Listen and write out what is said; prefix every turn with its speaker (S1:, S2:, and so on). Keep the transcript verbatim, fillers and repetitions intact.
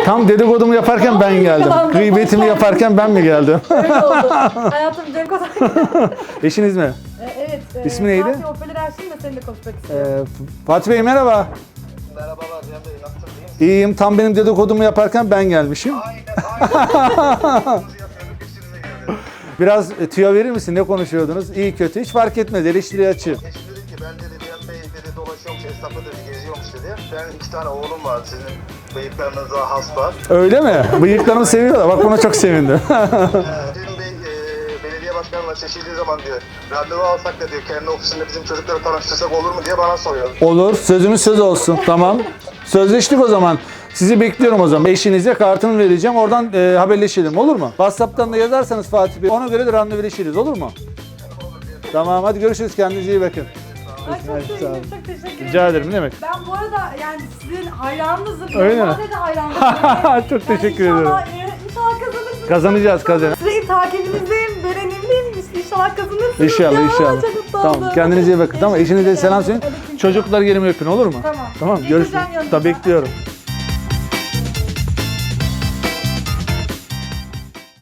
S1: Tam dedikodumu yaparken ben geldim. Gıybetimi yaparken ben mi geldim?
S2: Öyle oldu. Hayatım Cem Kozak.
S1: Eşiniz mi?
S2: Ee, evet. E,
S1: İsmi neydi?
S2: Fatih Opel Erşin de seninle konuşmak istiyorum.
S1: Ee, Fatih Bey merhaba.
S3: Merhabalar Cem Bey, nasılsın, iyi misin?
S1: İyiyim. Tam benim dedikodumu yaparken ben gelmişim.
S3: Aynen, aynen.
S1: Biraz e, tüyo verir misin? Ne konuşuyordunuz? İyi kötü hiç fark etmez. Eleştiriye açığım.
S3: Eşim dedi ki ben dedi Cem Bey dedi dolaşıyormuş, esnafı dedi geziyormuş dedi. Ben iki tane oğlum var, sizin bıyıklarınıza has var.
S1: Öyle mi? Bıyıklarımı seviyorlar. Bak buna çok sevindim.
S3: Ee, Cem Bey e, belediye başkanına seçildiği zaman diyor, randevu alsak da diyor kendi ofisinde bizim çocukları tanıştırsak olur mu diye bana soruyor.
S1: Olur. Sözümüz söz olsun. Tamam. Sözleştik o zaman. Sizi bekliyorum o zaman. Eşinize kartını vereceğim. Oradan e, haberleşelim. Olur mu? WhatsApp'tan da yazarsanız Fatih Bey. Ona göre de randevuleşiriz. Olur mu? Tamam. Hadi görüşürüz. Kendinize iyi bakın.
S2: Ay çok
S1: Evet, sağ olun.
S2: sevindim, çok teşekkür ederim.
S1: Rica ederim. Ne demek?
S2: Ben bu arada yani sizin hayranınızım.
S1: Öyle mi?
S2: Normalde de hayranınızım.
S1: Çok teşekkür
S2: yani
S1: ederim.
S2: inşallah, e, İnşallah kazanırsınız.
S1: Kazanacağız, kazanacağız.
S2: Sürekli takibinizdeyim, beğenimliyim. İnşallah kazanırsınız.
S1: İnşallah,
S2: ya.
S1: inşallah.
S2: Çok mutlu
S1: Tamam.
S2: oldum.
S1: Kendinize iyi bakın. Tamam.
S2: Teşekkür
S1: Eşinize selam
S2: ederim.
S1: söyleyin.
S2: Aleyküm selam.
S1: Çocuklar yerime öpün. Olur mu?
S2: Tamam.
S1: Tamam.
S2: Geleceğim
S1: Görüşürüz.
S2: yanınıza.
S1: Tabii bekliyorum.